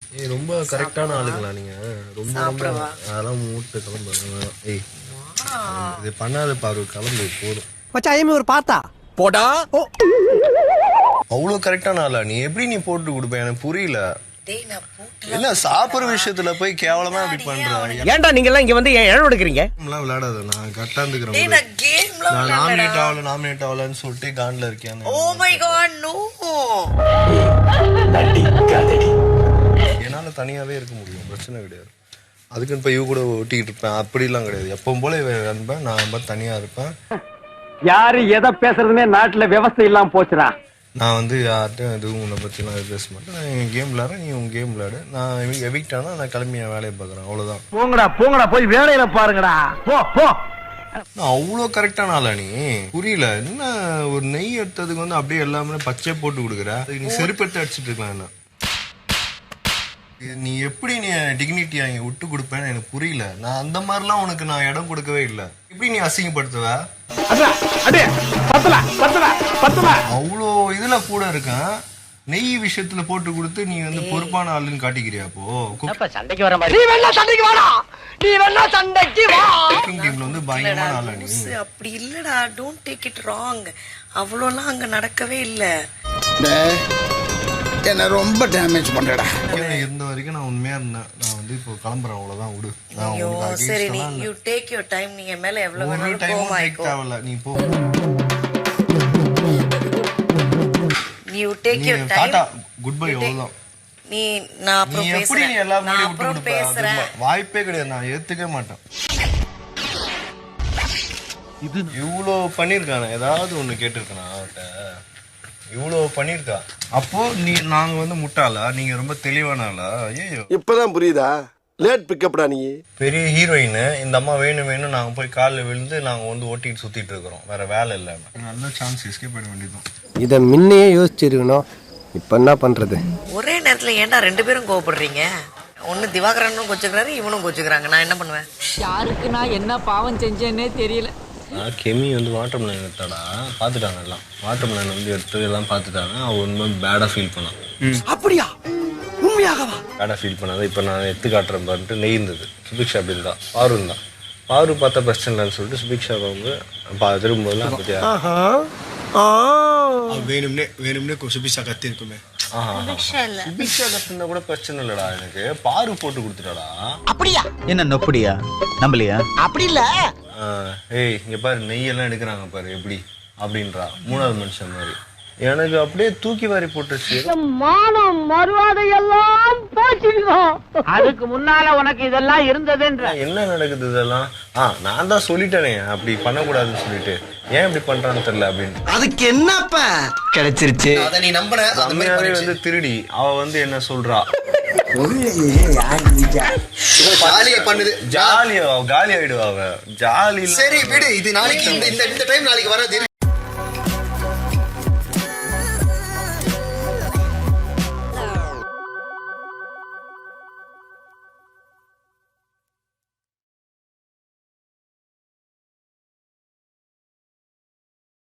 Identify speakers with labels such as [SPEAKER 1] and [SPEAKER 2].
[SPEAKER 1] ஏய் ரொம்ப கரெக்டான ஆளுங்களா நீங்க? ரொம்ப ரொம்ப அதெல்லாம் மூட்டு கிளம்புறேன். ஏய் இது பண்ணாத பாரு, கிளம்பு போதும்.
[SPEAKER 2] மச்சான் ஒரு பார்த்தா போடா.
[SPEAKER 1] அவ்வளோ கரெக்டான ஆளா நீ? எப்படி நீ போட்டு கொடுப்ப எனக்கு புரியல. என்ன சாப்பிடுற விஷயத்துல போய் கேவலமா அப்படி பண்ற?
[SPEAKER 2] ஏன்டா நீங்க எல்லாம் இங்க வந்து ஏன் எடுக்கிறீங்க?
[SPEAKER 1] விளையாடாத, நான் கரெக்டா இருந்துக்கிறேன். நான் நாமினேட் ஆகலன்னு சொல்லிட்டு கான்ல இருக்கேன்.
[SPEAKER 3] Oh my god no.
[SPEAKER 1] என்னால தனியாவே இருக்க முடியும், பிரச்சனை கிடையாது. அதுக்குன்னு போய் இவ கூட ஒட்டிக்கிட்டு இருப்பேன் அப்படிலாம் கிடையாது. எப்பவும் போல இருப்பேன், நான் தனியா இருப்பேன்.
[SPEAKER 2] யாரு எதை பேசுறதுமே நாட்டுல விவசாயம் இல்லாம போச்சுடா.
[SPEAKER 1] நான் வந்து யார்ட்டும் எதுவும் உன்னை பற்றிலாம் பேச மாட்டேன். நான் என் கேம் விளையாடுறேன், நீ உன் கேம் விளையாடு. நான் எவிக்ட் ஆனால் நான் கிளம்பி என் வேலையை பார்க்குறேன், அவ்வளோதான்.
[SPEAKER 2] போங்கடா போய் வேலையில பாருங்கடா. போ.
[SPEAKER 1] நான் அவ்வளோ கரெக்டான ஆளா நீ? புரியல. என்ன ஒரு நெய் எடுத்ததுக்கு வந்து அப்படியே எல்லாமே பச்சை போட்டு கொடுக்குற? நீ செருப்பெடுத்து அடிச்சுட்டு இருக்கலாம். என்ன நீ எப்படி நீ டிக்னிட்டியா இங்கே விட்டு கொடுப்பேன்னு எனக்கு புரியல. நான் அந்த மாதிரிலாம் உனக்கு நான் இடம் கொடுக்கவே இல்லை. எப்படி நீ அசிங்கப்படுத்துவ? அவ்வளோ இதுல கூட இருக்கேன். நெய் விஷயத்துல போட்டு கொடுத்து நீ வந்து பொறுப்பான ஆளுன்னு காட்டிக்கிறியா? அப்போ
[SPEAKER 2] சண்டைக்கு வர மாதிரி நீ வேணா சண்டைக்கு வா.
[SPEAKER 1] குக்கிங் டீம்ல வந்து பயங்கரமான ஆளா நீ?
[SPEAKER 3] அப்படி இல்லடா, டோன்ட் டேக் இட் ராங். அவ்வளோலாம் அங்க நடக்கவே இல்ல.
[SPEAKER 4] என்ன ரொம்ப டேமேஜ் பண்றடா.
[SPEAKER 1] இருந்த வரைக்கும் நான் உண்மையா இருந்தேன். நான் வந்து இப்போ கிளம்புறேன், அவ்வளவுதான். விடு.
[SPEAKER 3] சரி நீ யூ டேக் யுவர் டைம். நீங்க மேல எவ்வளவு வேணாலும்
[SPEAKER 1] டைம் தேவையில்ல, நீ போ.
[SPEAKER 3] You take your time.
[SPEAKER 1] டாடா குட் பை, அவ்வளவுதான்.
[SPEAKER 3] நீ நான் அப்புறம் பேசுறேன்.
[SPEAKER 1] நீ எல்லாரும்
[SPEAKER 3] நான்
[SPEAKER 1] விட்டு
[SPEAKER 3] அப்புறம்
[SPEAKER 1] கொடுப்ப?
[SPEAKER 3] பேசுறேன்.
[SPEAKER 1] வாய்ப்பே கிடையாது, நான் ஏத்துக்கவே மாட்டேன். இது இவ்வளோ பண்ணிருக்கானே, ஏதாவது ஒண்ணு கேட்டிருக்கானா அவட்ட? இவ்வளோ பண்ணிருக்கா. அப்போ நாங்க வந்து முட்டாளா? நீங்க ரொம்ப தெளிவான ஆளா? ஐயோ
[SPEAKER 4] இப்பதான் புரியுதா? லேட் பிக்கப்டா நீ.
[SPEAKER 1] பெரிய ஹீரோயின். இந்த அம்மா வேணும் நாங்க போய் காலில் விழுந்து நாங்க வந்து ஓட்டிட்டு சுத்திட்டு இருக்கிறோம், வேற வேலை இல்லாம. நல்ல சான்ஸ், எஸ்கேப் பண்ண வேண்டியதும்.
[SPEAKER 2] இத முன்னையே யோசிச்சிருக்கணும். இப்ப என்ன பண்றது?
[SPEAKER 3] ஒரே நேரத்துல ஏன்டா ரெண்டு பேரும் கோவப்படுறீங்க? ஒன்னு திவாகரனும் கொச்சுக்கிறாரு, இவனும் கொச்சுக்கிறாங்க. நான் என்ன பண்ணுவேன்?
[SPEAKER 5] யாருக்கு நான் என்ன பாவம் செஞ்சேன்னே தெரியல.
[SPEAKER 1] கெமி வந்து வாட்டர் மிலன் எடுத்தாடா, பார்த்துட்டாங்க எல்லாம். வாட்டர் மிலன் வந்து எடுத்து எல்லாம் பார்த்துட்டாங்க. அவன் உண்மை பேடாக ஃபீல் பண்ணான்.
[SPEAKER 2] அப்படியா? உண்மையாகவா?
[SPEAKER 1] பேடாக ஃபீல் பண்ணாதான். இப்போ நான் எடுத்து காட்டுறேன் பாருன்ட்டு நெய் இருந்தது. சுபிக்ஷா அப்படி இருந்தா, பாரு இருந்தான். பாரு பார்த்தா பிரச்சனை இல்லைன்னு சொல்லிட்டு சுபிக்ஷா வந்து திரும்பும்போதுலாம் பற்றியா
[SPEAKER 4] வேணும்னே சுபிக்ஷா கத்தி இருக்குமே.
[SPEAKER 1] சுபிக்ஷா கத்துனா கூட பிரச்சனை இல்லடா எனக்கு. பாரு போட்டு கொடுத்துட்டாடா.
[SPEAKER 5] அப்படியா? என்ன நொப்படியா? நம்பலையா? அப்படி இல்ல.
[SPEAKER 1] ஏய் இங்க பாரு, நெய்யெல்லாம் எடுக்கிறாங்க பாரு எப்படி அப்படின்றா. மூணாவது மனுஷன் மாதிரி எனக்கு அப்படியே தூக்கி வாரி போட்டுச்சு.
[SPEAKER 5] மானம் மறுவாதை எல்லாம் போச்சுடுவோம். அதுக்கு முன்னால உனக்கு இதெல்லாம் இருந்ததுன்ற.
[SPEAKER 1] என்ன நடக்குது இதெல்லாம்? நான் தான் சொல்லிட்டேனே அப்படி பண்ணக்கூடாதுன்னு சொல்லிட்டு. ஏன் இப்படி பண்றான்னு தெரியல அப்படின்னு.
[SPEAKER 2] அதுக்கு என்னப்ப கிடைச்சிருச்சு?
[SPEAKER 4] அத நீ நம்பற?
[SPEAKER 1] அம்மையாவே வந்து திருடி அவ வந்து என்ன சொல்றா?
[SPEAKER 4] ஜாலியா பண்ணுது.
[SPEAKER 1] ஜாலியா காலி ஆயிடுவா அவ. ஜாலி.
[SPEAKER 4] சரி விடு, இது நாளைக்கு இந்த டைம் நாளைக்கு வராது.